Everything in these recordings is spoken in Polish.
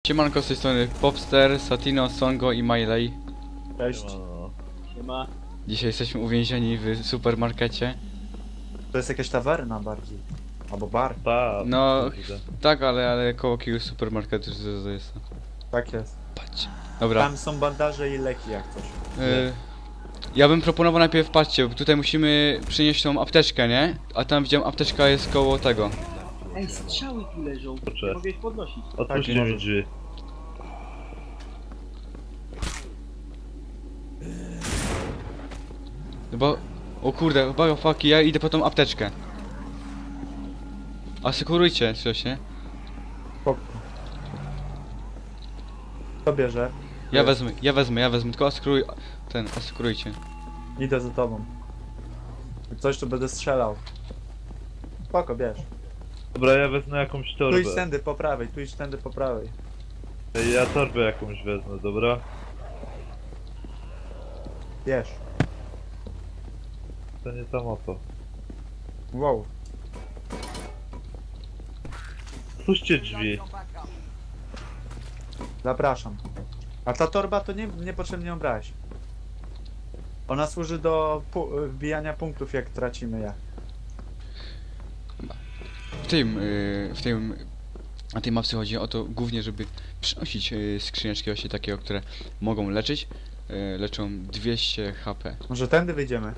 Siemanko, z tej strony Popster, Satino, Songo i Miley. Cześć. Siema. Dzisiaj jesteśmy uwięzieni w supermarkecie. To jest jakaś tawerna bardziej. Albo bar. Pa. No, tak, ale koło jakiegoś supermarketu to jest. Tak jest. Patrzcie. Dobra, Tam są bandaże i leki jak coś. ja bym proponował najpierw, patrzcie, bo tutaj musimy przynieść tą apteczkę, nie? A tam widziałem, apteczka jest koło tego. Ej, strzały tu leżą. Nie mogę ich podnosić. Tak, Otwórzcie mi może. drzwi. No bo, o kurde, fuck, ja idę po tą apteczkę. Asekurujcie coś, nie? Spoko. Kto bierze? Ja wezmę, tylko asekurujcie. Idę za tobą. Jak coś, to będę strzelał. Spoko, bierz. Dobra, ja wezmę jakąś Tu torbę. idź tędy po prawej, tu idź tędy po prawej. Ja torbę jakąś wezmę, dobra? Bierz. To nie tam o to. Wow. Otwórzcie drzwi. Zapraszam. A ta torba to niepotrzebnie ją brać. Ona służy do wbijania punktów, jak tracimy je. Na tej mapce chodzi o to głównie, żeby przynosić skrzyneczki właśnie takie, które mogą leczyć. Leczą 200 HP. Może tędy wyjdziemy?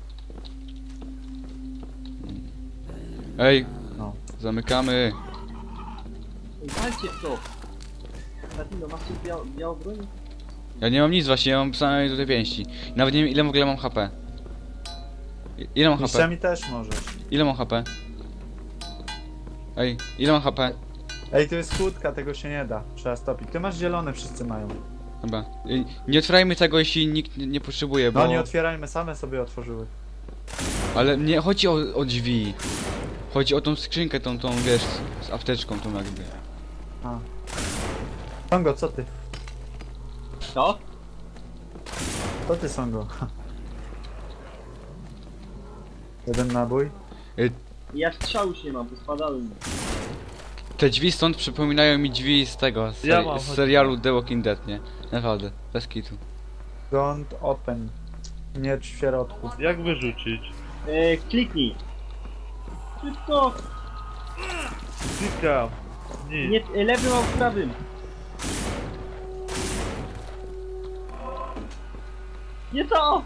Ej, No. zamykamy. Ej, walcie w to. Latino, masz coś białą broń? Ja nie mam nic właśnie, ja mam same tutaj pięści. Nawet nie wiem ile w ogóle mam HP. Ile mam HP? Mistrzami też możesz. Ile mam HP? Ej, ile mam HP? Ej, to jest kłódka, tego się nie da. Trzeba stopić. Ty masz zielone, wszyscy mają. Dobra. Nie otwierajmy tego, jeśli nikt nie potrzebuje, bo... No nie otwierajmy, same sobie otworzyły. Ale nie chodzi o drzwi. Chodzi o tą skrzynkę, tą wiesz, z apteczką tą jakby. A. Songo, co ty? Co? Co ty, Songo? Jeden nabój. Ja strzał już nie mam, bo spadały mi. Te drzwi stąd przypominają mi drzwi z tego, Ja mam, z chodź. serialu The Walking Dead, nie? Naprawdę, bez kitu. Don't open. Miecz w środku. Jak wyrzucić? Kliknij. Szybko. Klikam. Nie. Nie, lewym albo prawym. Nie to!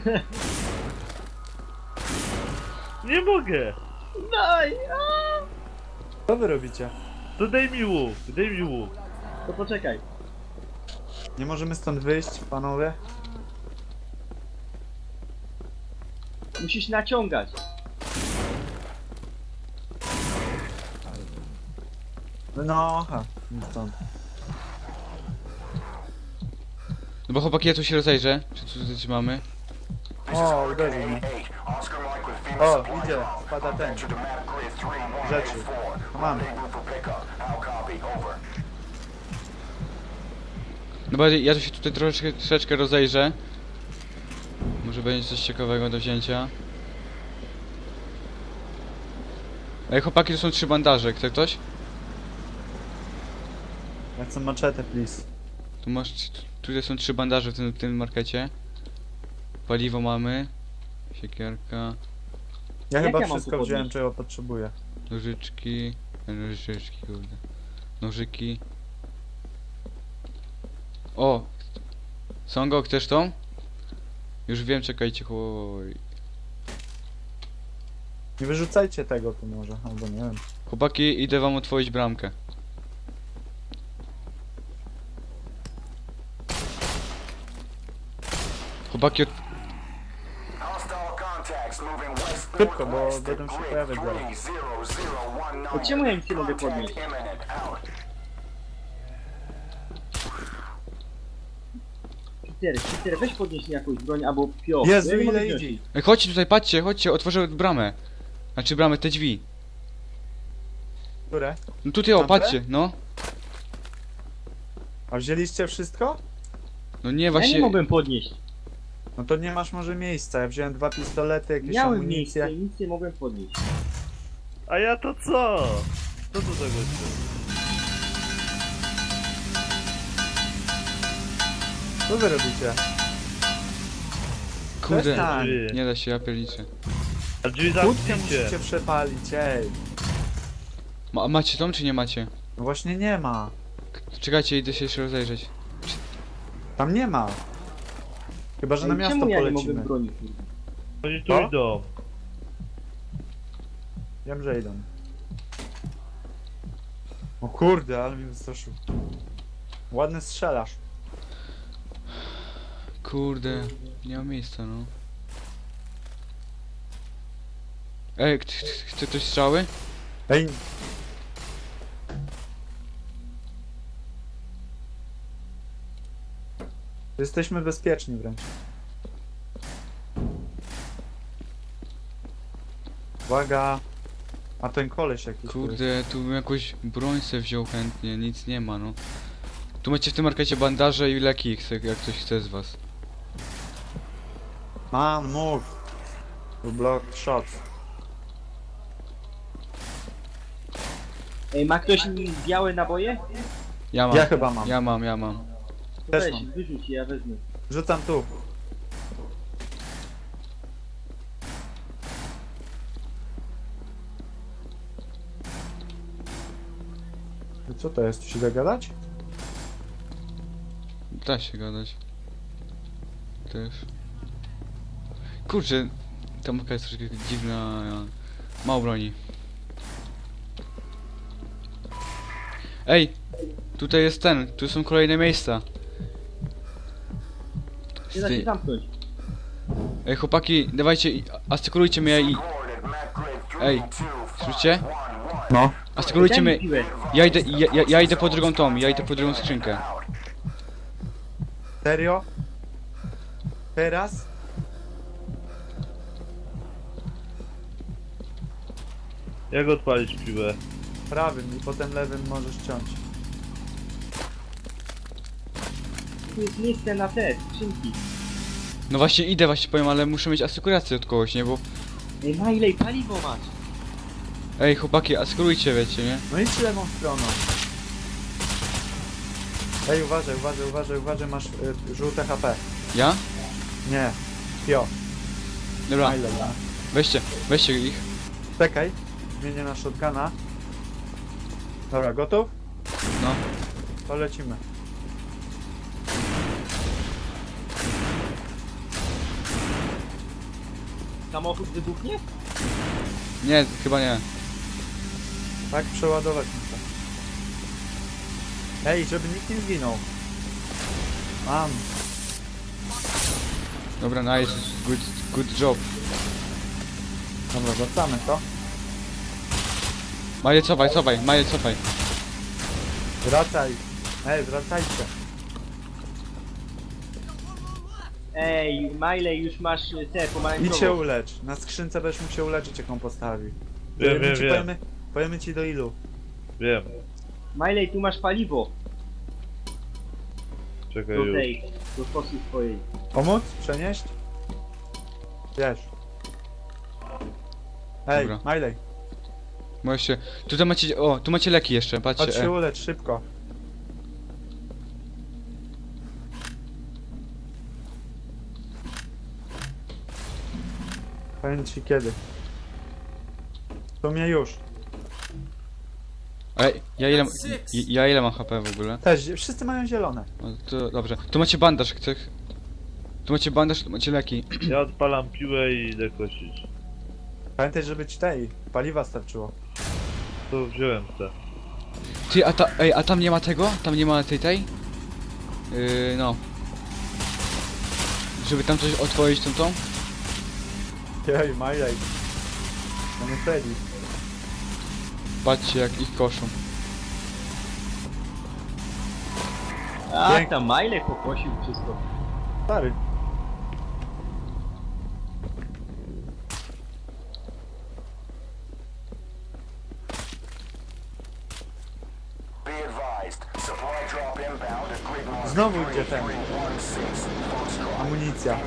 Nie mogę! Daj! Co wy robicie? To daj mi łuk, daj mi łuk. To poczekaj. Nie możemy stąd wyjść, panowie? Musisz naciągać. No, aha. Nic stąd. No bo chłopaki, ja tu się rozejrzę. Czy tu coś mamy? O, uderzył mnie. O, idzie. Spada ten. Rzeczy. No mamy. No bo ja tu się tutaj troszeczkę rozejrzę. Może będzie coś ciekawego do wzięcia. Ej, chłopaki, tu są 3 bandaże. Chce ktoś? Ja chcę maczetę, please. Tu masz... Tutaj są 3 bandaże w tym markecie. Paliwo mamy. Siekierka. Ja Jak chyba ja mam wszystko tu wziąłem, podnieść? czego potrzebuję. Nożyczki. Nożyczki, kurde. Nożyki. O! Songo, chcesz tą? Już wiem, czekajcie, chłopaki. Nie wyrzucajcie tego tu może, albo nie wiem. Chłopaki, idę wam otworzyć bramkę. Chłopaki, Szybko, bo będą się pojawiać zaraz. To czemu ja nic nie mogę podnieść? Peter, weź podnieś mi jakąś broń albo pio. Jezu, Ja nie mogę ile wziąć. idzie? Ej, chodźcie tutaj, patrzcie, chodźcie, otworzę bramę. Znaczy bramę, te drzwi. Które? No tutaj, o, Tamte? patrzcie, no. A wzięliście wszystko? No nie, Ja nie właśnie... mogłem podnieść. No to nie masz może miejsca. Ja wziąłem 2 pistolety, jakieś Miałem amunicje. miejsce i nic nie mogłem podnieść. A ja to co? Co tu tego jest? Co wy robicie? Kurde, Przestań. nie da się, ja pierniczę. A drzwi Kłódkę zamknijcie. musicie przepalić, ej. A macie tą czy nie macie? No właśnie nie ma. Czekajcie, idę się jeszcze rozejrzeć. Tam nie ma. Chyba, że na Ej, miasto czemu ja nie polecimy. mogę broni, kurwa? Oni tu Co? idą. Wiem, że idą. O kurde, ale mnie wystraszył. Ładny strzelasz. Kurde, nie ma miejsca, no. Ej, chce ktoś strzały? Ej. Jesteśmy bezpieczni wręcz. Uwaga. A ten koleś jakiś tu jest. Kurde, tu bym jakąś broń se wziął chętnie, nic nie ma, no. Tu macie w tym markecie bandaże i leki, jak ktoś chce z was. Man, move. To block shots. Ej, ma ktoś białe naboje? Ja mam, Ja chyba mam. ja mam. To Też weź, mam. wyrzuć je, ja wezmę. Rzucam tu. I co to jest? Tu się da gadać? Da się gadać. Też. Kurczę, ta mapka jest troszkę dziwna, mało broni. Ej! Tutaj jest ten, tu są kolejne miejsca. Nie da się zamknąć. Ej chłopaki, dawajcie, asekurujcie mnie i... Ej, słyszycie? No. Asekurujcie Daj mi mnie, piłę. ja idę po drugą tą, ja idę po drugą skrzynkę. Serio? Teraz? Jak odpalić piłę? Prawym i potem lewym możesz ciąć. Tu jest miejsce na te skrzynki. No właśnie idę, właśnie powiem, ale muszę mieć asekurację od kogoś, nie? Bo... Ej, na ile paliwo masz? Ej chłopaki, asekurujcie, wiecie, nie? No idź lewą stroną. Ej, uważaj, masz żółte HP. Ja? Nie. Pio. Dobra, Ile, ja. weźcie ich. Czekaj. Zmienię na shotguna. Dobra, gotów? No. To lecimy. Samochód wybuchnie? Nie, chyba nie. Tak, przeładować muszę. Ej, żeby nikt nie zginął. Mam. Dobra, nice, good job. Dobra, wracamy to. Maję cofaj, Maję cofaj. Wracaj. Ej, wracajcie. Ej, Miley, już masz te Idź się pomarańczowe. ulecz. Na skrzynce będziesz mógł się uleczyć, jak on postawi. Wiem, Ci wiem. Powiemy ci do ilu. Wiem. Miley, tu masz paliwo Czekaj do już. tej, do kosy swojej. Pomóc? Przenieść? Wiesz. Ej, Dobra. Miley, Możesz się... Tutaj macie... O, tu macie leki jeszcze, chodź patrzcie. się ulecz, szybko. Powiem ci kiedy. To mnie już. Ej, ja ile mam HP w ogóle? Też, wszyscy mają zielone. O, to dobrze. Tu macie bandaż, chcesz? Tu macie bandaż, tu macie leki. Ja odpalam piłę i idę kosić. Pamiętaj, żeby ci tej paliwa starczyło. To wziąłem te. Ty, a tam nie ma tego? Tam nie ma tej? No. Żeby tam coś otworzyć tą? Jej, Miley. No nie Freddy. Patrzcie jak ich koszą. A, Pięknie. tam Miley pokosił wszystko. Stary. Znowu idzie ten. Amunicja.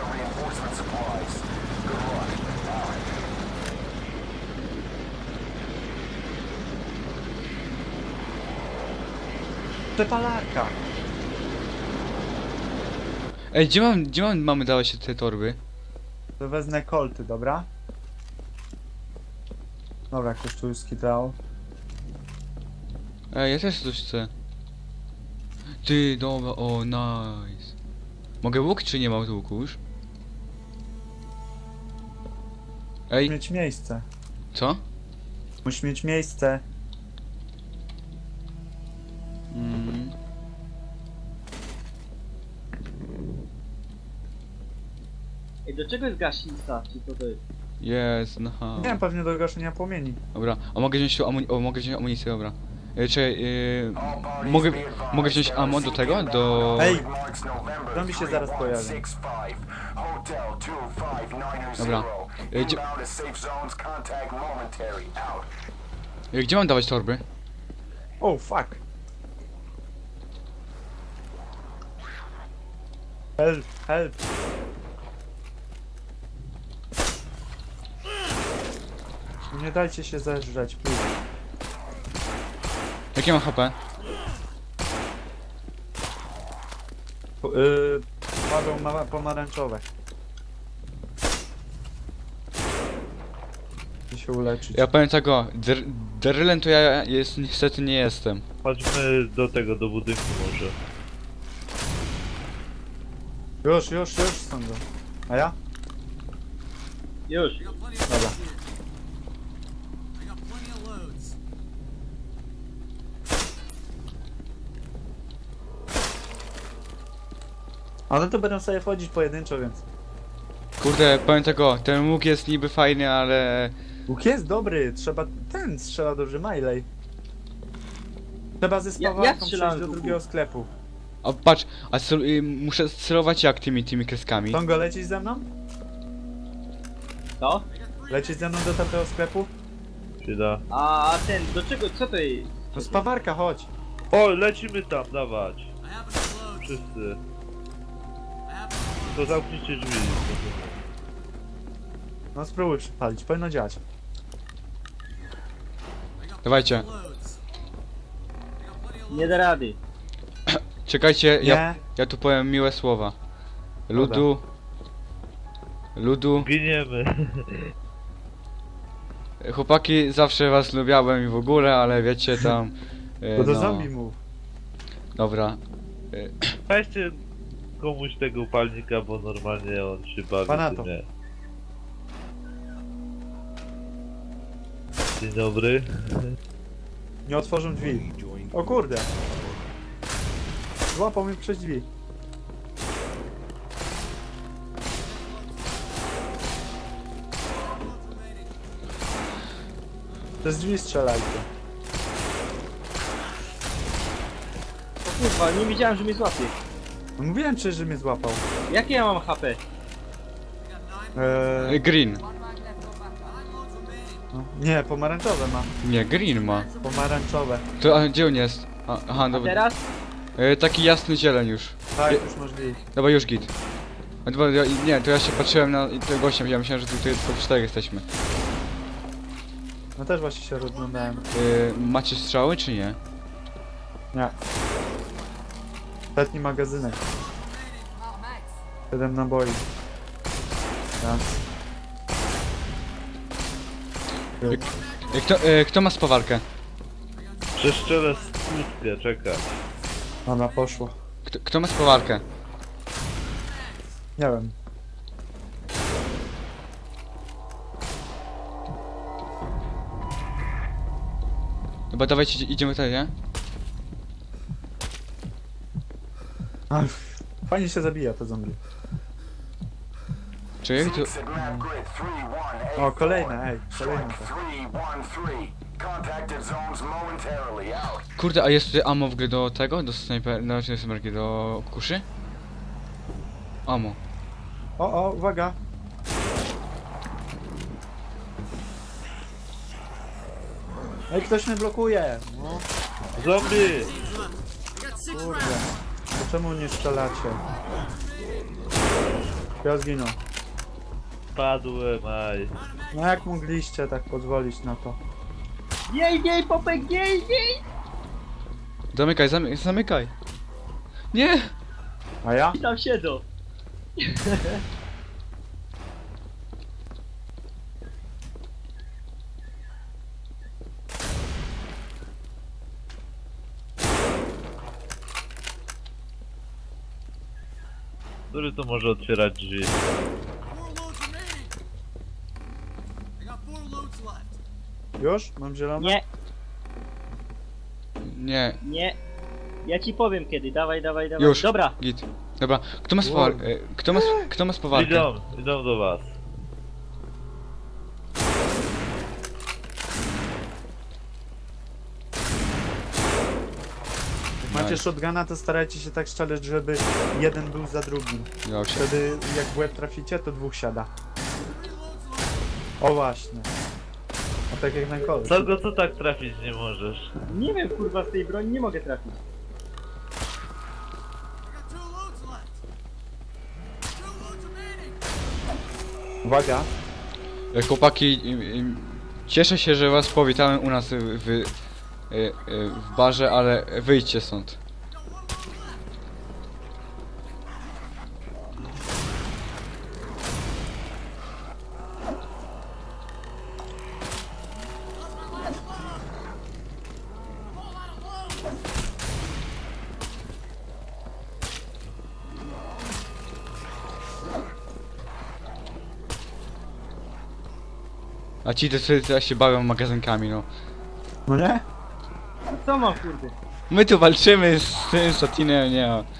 Przepalarka. Ej, gdzie mamy dawać te torby? To wezmę kolty, dobra? Dobra, ktoś tu już skitrał. Ej, ja też coś chcę. Ty, dobra, o, nice. Mogę łuk, czy nie mam łuku już? Ej, Mieć miejsce. co? Musisz mieć miejsce. Mm. Ej, do czego jest gaśnica? Czy co to jest? Jest, no. Nie wiem, pewnie do gaszenia płomieni. Dobra, a mogę wziąć tu mogę wziąć amunicję, dobra. Czekaj, mogę wziąć ammo do tego? Do... Ej! Zombie się zaraz pojawi. Dobra. Gdzie mam dawać torby? Oh, fuck! Help, help! Nie dajcie się zeżreć, please. Jakie mam HP? Paweł pomarańczowe. I się uleczyć. Ja powiem tego, Derylem to ja niestety nie jestem. Chodźmy do tego, do budynku może. Już sądzę. A ja? Już. Dobra. Ale to będą sobie wchodzić pojedynczo, więc... Kurde, powiem tego, ten łuk jest niby fajny, ale... Łuk jest dobry, trzeba... Ten strzela dobrze, Miley. Trzeba ze Ja spawarką strzelałem przejść do z łuku. drugiego sklepu. A patrz, muszę celować jak tymi kreskami. Tongo, lecisz ze mną? Co? Lecisz ze mną do tamtego sklepu? Przyda. A ten, do czego, co to jest? No spawarka, chodź. O, lecimy tam, dawać. Wszyscy. To zamknijcie drzwi. No spróbuj przypalić, powinno działać. Dawajcie, Nie da rady. czekajcie, Nie? ja tu powiem miłe słowa. Ludu, Giniemy. chłopaki, zawsze was lubiałem i w ogóle, ale wiecie tam... To do no, zombie mów. dobra. Weźcie komuś tego upalnika, bo normalnie on się bawi. Pana tym, to. nie. Dzień dobry. Nie otworzą drzwi. O kurde. Złapał mnie przez drzwi. Przez drzwi strzelajcie. O kurwa, nie wiedziałem, że mnie złapie. No mówiłem przecież, że mnie złapał. Jakie ja mam HP? Green. No, nie, pomarańczowe ma. Nie, green ma. Pomarańczowe. To, a gdzie on jest? Aha, A dobra. teraz? Taki jasny zieleń już. Tak, już możliwe. Dobra, już git. A dobra, nie, to ja się patrzyłem na tego gościa, ja myślałem, że tutaj tylko 4 jesteśmy. No też właśnie się rozglądałem. Macie strzały, czy nie? Nie. Ostatni magazynek. 7 naboi. Raz. Kto ma spawarkę? Przeszczelę skutkę, czekaj. Ona poszło. Kto ma spawarkę? Nie wiem. Dobra, dawajcie, idziemy tutaj, nie? Ach, fajnie się zabija to zombie. Czy tu... O, kolejne, ej, kolejne to. Kurde, a jest tutaj ammo w ogóle do tego? Do snajper... No, czy snajperki, do kuszy? Ammo. O, uwaga. Ej, ktoś mnie blokuje. No, Zombie! kurde. To czemu nie strzelacie? Ja zginął. Padłem, aj. No jak mogliście tak pozwolić na to? Jej, Popek, jej! Zamykaj. Nie! A ja? I tam siedzą. Który to może otwierać drzwi? 4 loads remaining. I got 4 loads left. Już? Mam zielone? Nie, Nie, nie. Ja ci powiem kiedy, dawaj. już. Dobra, Git. Dobra, kto ma Wow. kto ma spowalkę? Idą do was. Jak macie Nice. shotguna, to starajcie się tak strzelać, żeby jeden był za drugim. Ja się. Wtedy jak w łeb traficie, to dwóch siada. O właśnie. A tak jak na kole. Co tak trafić nie możesz? nie wiem kurwa z tej broni nie mogę trafić. I got 2 loads left. 2 loads remaining. Uwaga. Chłopaki, cieszę się, że was powitałem u nas w barze, ale wyjdźcie stąd. A ci to sobie teraz się bawią magazynkami, no. No nie? A co mam kurde? My tu walczymy z tym Satinem, nie ma.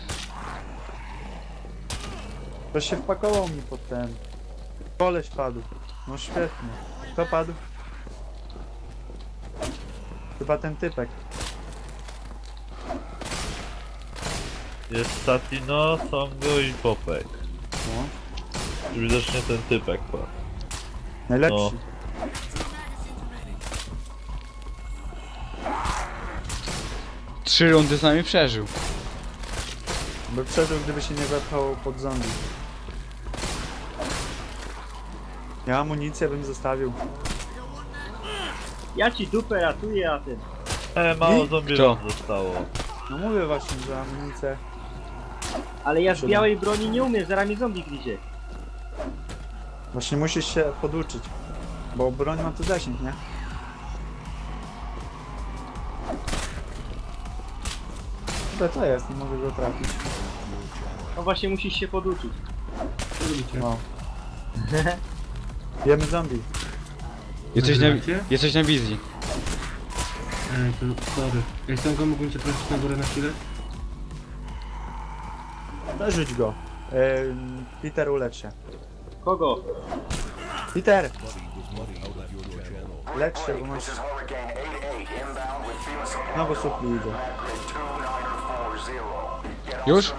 To się wpakował mi pod ten. Koleś padł. No świetnie. Kto padł? Chyba ten typek. Jest Satino, Songo i Popek. No. Widocznie ten typek padł. Najlepsi. No. 2 magazines remaining. 3 rundy z nami przeżył. By przeżył, gdyby się nie wepchał pod zombie. Ja amunicję bym zostawił. Ja ci dupę ratuję, a ten. Mało I? zombie Kto? wam zostało. No mówię właśnie, że amunicję. Ale ja z Siedem. białej broni nie umiem, zaraz mnie zombie gryzie. Właśnie musisz się poduczyć. Bo broń ma tu zasięg, nie? To jest, nie mogę go trafić. No właśnie musisz się poduczyć. No. Jemy zombie. Jesteś na wizji. To sorry. Ej, Songo, mógłbym cię prosić na górę na chwilę? Zarzuć go. Peter, ulecz się. Kogo? Peter! Lecz się, bo masz... Znowu supli idzie. Już?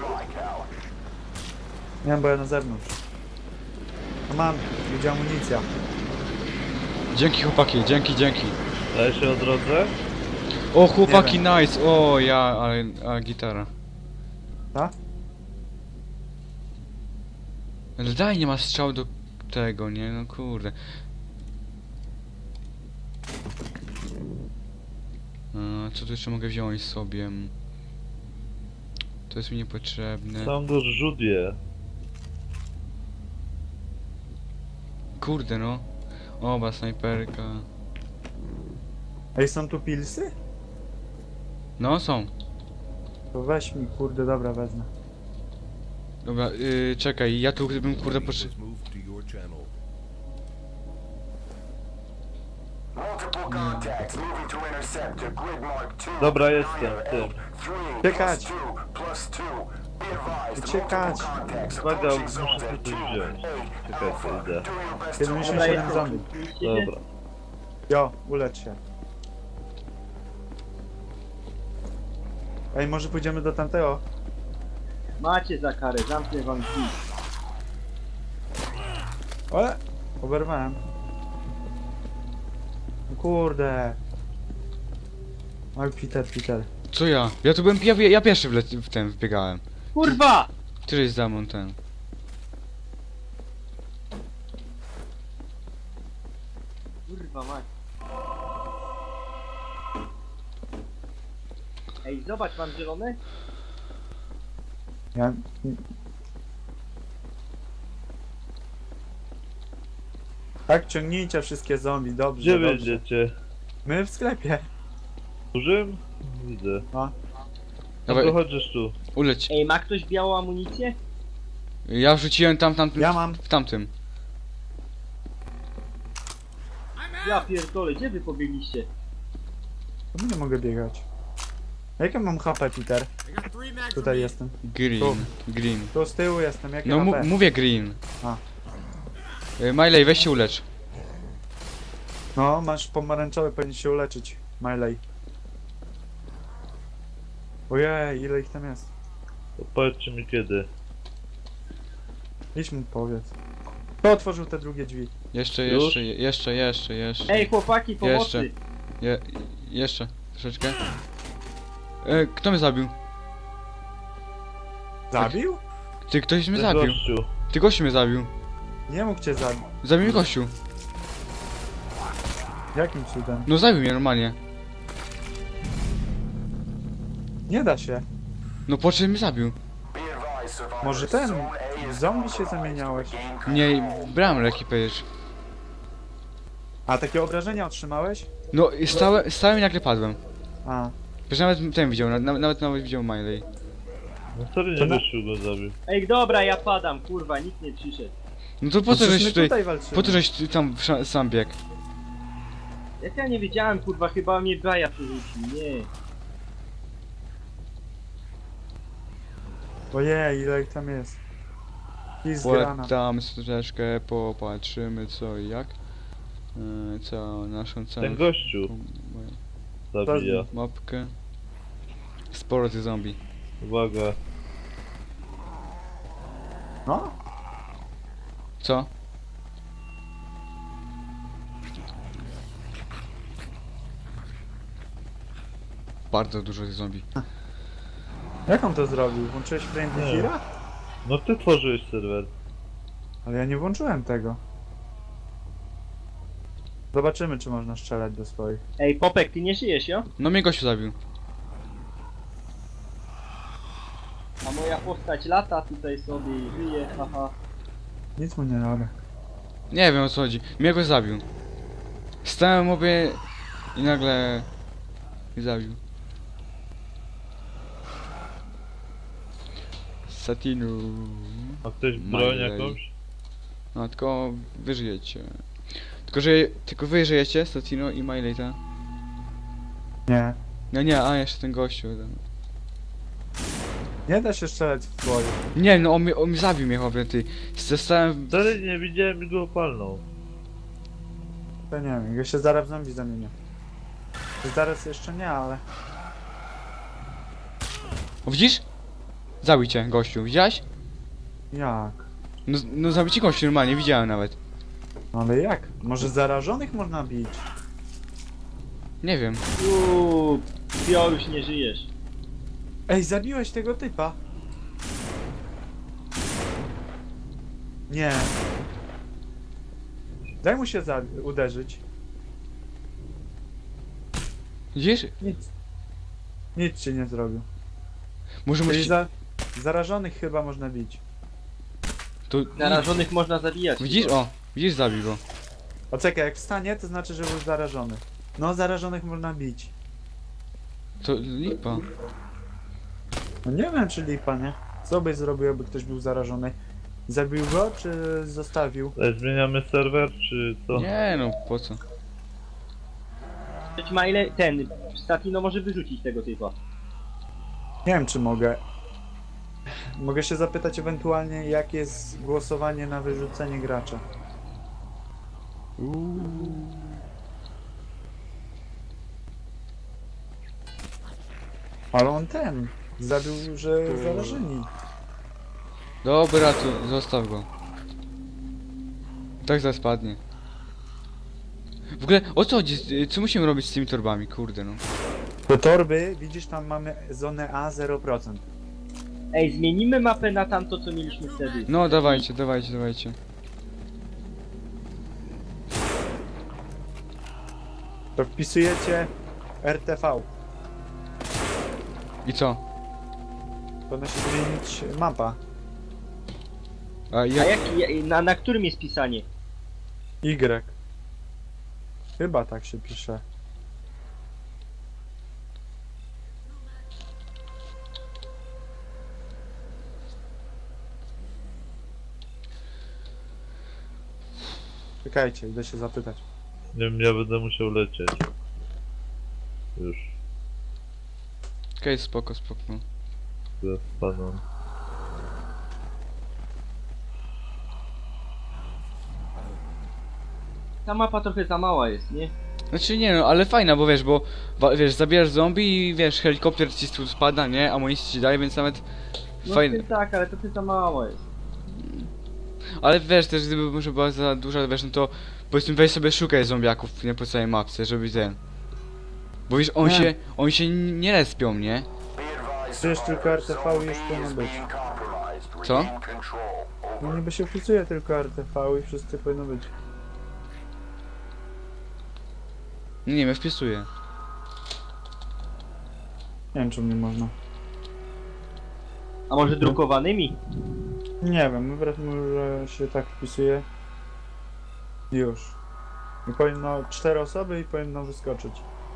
Nie wiem, bo ja na zewnątrz. No mam, idzie amunicja. Dzięki chłopaki, dzięki. Daje się o drodze? O chłopaki, Nie nice! O ja, ale gitara. Tak? Ale daj, nie ma strzał do tego, nie? No kurde. Co tu jeszcze mogę wziąć sobie? To jest mi niepotrzebne. Songo zrzut je. Kurde no. Oba snajperka. Ej, są tu pilsy? No są. To weź mi, kurde, dobra, wezmę. Dobra, czekaj, ja tu bym kurde potrzebował. Dobra, jestem, tym. Uciekać! Uciekać! Uwaga, muszę sobie coś wziąć. Czekajcie, idę. 77 zombie. Dobra. Jo, ulecz się. Ej, może pójdziemy do tamtego? Macie za karę, zamknę wam drzwi. Ale! Oberwałem. No kurde. Oj, Peter. Co ja? Ja tu byłem, ja pierwszy w ten wbiegałem. Kurwa! Któryś za mną ten. Kurwa mać. Ej, zobacz, mam zielone? Ja... Tak, ciągnijcie wszystkie zombie, dobrze, Gdzie dobrze. będziecie? My w sklepie. Dużym? Widzę. No. No Dawaj, to chodźesz tu. uleć. Ej, ma ktoś białą amunicję? Ja wrzuciłem tamtym, Ja mam. w tamtym. Ja pierdolę, gdzie wy pobiegliście? To nie mogę biegać. Jakie mam HP, Peter? I got 3 mags Tutaj remaining. jestem. Green, Tu. green. Tu z tyłu jestem, jakie No HP? mówię green. A. Miley, weź się ulecz. No, masz pomarańczowy, powinien się uleczyć. Miley. Ojej, ile ich tam jest? To powiedzcie mi kiedy. Idź mu powiedz. Kto otworzył te drugie drzwi? Jeszcze, Już? jeszcze. Ej, chłopaki, pomocy! Jeszcze, troszeczkę. Kto mnie zabił? Zabił? Ty, ktoś mnie Ten zabił. gościu. Ty, gościu mnie zabił. Nie mógł cię zabić. Zabił mnie gościu. Jakim cudem? No zabił mnie normalnie. Nie da się. No po czym mnie zabił? Może ten? W zombie się zamieniałeś. Nie, brałem leki przecież. A takie obrażenia otrzymałeś? No i stałem i nagle padłem. A. Przecież nawet ten widział, nawet widział Miley. No sorry, To nie na- gościu go zabił. Ej, dobra, ja padam, kurwa, nikt nie przyszedł. No to po No co przecież żeś my tutaj, walczymy. po co żeś ty tam sam biegł? Jak ja nie wiedziałem, kurwa, chyba mnie Baja przerzucił, nie. Ojej, ile ich tam jest. I zgrana. Tam troszeczkę, popatrzymy co i jak. Co naszą całą Ten gościu zabija. mapkę. Sporo tych zombie. Uwaga. No? Co? Bardzo dużo tych zombie. Jak on to zrobił? Włączyłeś Friendly Nie. Fira? No ty tworzyłeś serwer. Ale ja nie włączyłem tego. Zobaczymy, czy można strzelać do swoich. Ej, Popek, ty nie żyjesz, jo? No mnie gościu zabił. A moja postać lata tutaj sobie i żyje, haha. Nic mu nie robię. Nie wiem o co chodzi. Mnie go zabił. Stałem obie i nagle mnie zabił. Satinu. Ma ktoś broń Miley. jakąś? No tylko wy żyjecie. Tylko wy żyjecie, Satino i Miley, ta? Nie. No nie, a jeszcze ten gościu. Ten. Nie da się strzelać w swoich. Nie, no on mnie zabił mnie chłopie, ty. Zostałem... Sorry, nie widziałem i go opalną. To nie wiem, ja się zaraz w zombie zamienię. Zaraz jeszcze nie, ale... O, widzisz? Zabił cię gościu, widziałeś? Jak? No zabił ci gościu normalnie, widziałem nawet. No ale jak? Może zarażonych można bić? Nie wiem. Ty już nie żyjesz. Ej, zabiłeś tego typa? Nie. Daj mu się uderzyć. Widzisz? Nic. Nic ci nie zrobił. Może Czyli musi... zarażonych chyba można bić. To... Narażonych można zabijać. Widzisz? tylko. O, widzisz, zabił go. O czekaj, jak wstanie, to znaczy, że był zarażony. No, zarażonych można bić. To lipa. No nie wiem, czy lipa, nie? Co byś zrobił, jakby ktoś był zarażony? Zabił go, czy zostawił? Zmieniamy serwer, czy co? Nie no, po co? Choć ma ile... Ten... Statino może wyrzucić tego typa. Nie wiem, czy mogę. Mogę się zapytać ewentualnie, jak jest głosowanie na wyrzucenie gracza. Ale on ten zabił, że zarażeni. Dobra, tu zostaw go. Tak zaraz spadnie. W ogóle, o co chodzi? Co musimy robić z tymi torbami? Kurde no. Do torby, widzisz, tam mamy zonę A 0%. Ej, zmienimy mapę na tamto, co mieliśmy wtedy. No dawajcie. To wpisujecie RTV. I co? Powinna się zmienić mapa. A A jak... na którym jest pisanie? Y. Chyba tak się pisze. Czekajcie, idę się zapytać. Nie wiem, ja będę musiał lecieć. Już, Okej, spoko, spoko. ja spadam. Ta mapa trochę za mała jest, nie? Znaczy nie no, ale fajna, bo wiesz, wiesz, zabierasz zombie i wiesz, helikopter ci tu spada, nie? Amunicji ci daje, więc nawet No fajne. tak, ale trochę za mała jest. Ale wiesz, też gdyby może była za duża, wiesz, no to powiedzmy weź sobie szukaj zombiaków, nie po całej mapce, żeby ten. Bo wiesz, Nie. oni się nie respią, nie? Przecież tylko RTV już powinno być. Co? No niby się wpisuje tylko RTV i wszyscy powinno być. Nie wiem, wpisuję. Nie wiem, czy mnie można. A może drukowanymi? Nie wiem, może się tak wpisuje. Już. I powinno 4 osoby i powinno wyskoczyć.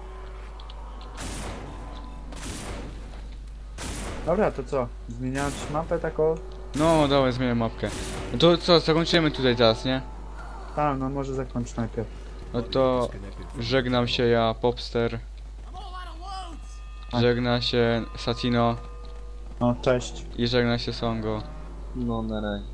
Dobra, to co? Zmieniać mapę taką? No, dobra, zmienię mapkę. No to co, zakończymy tutaj teraz, nie? A, no może zakończ najpierw. No to żegnam się ja, Popster. I'm all out of loads. Żegna się Satino No, cześć. i żegna się Songo. No na razie.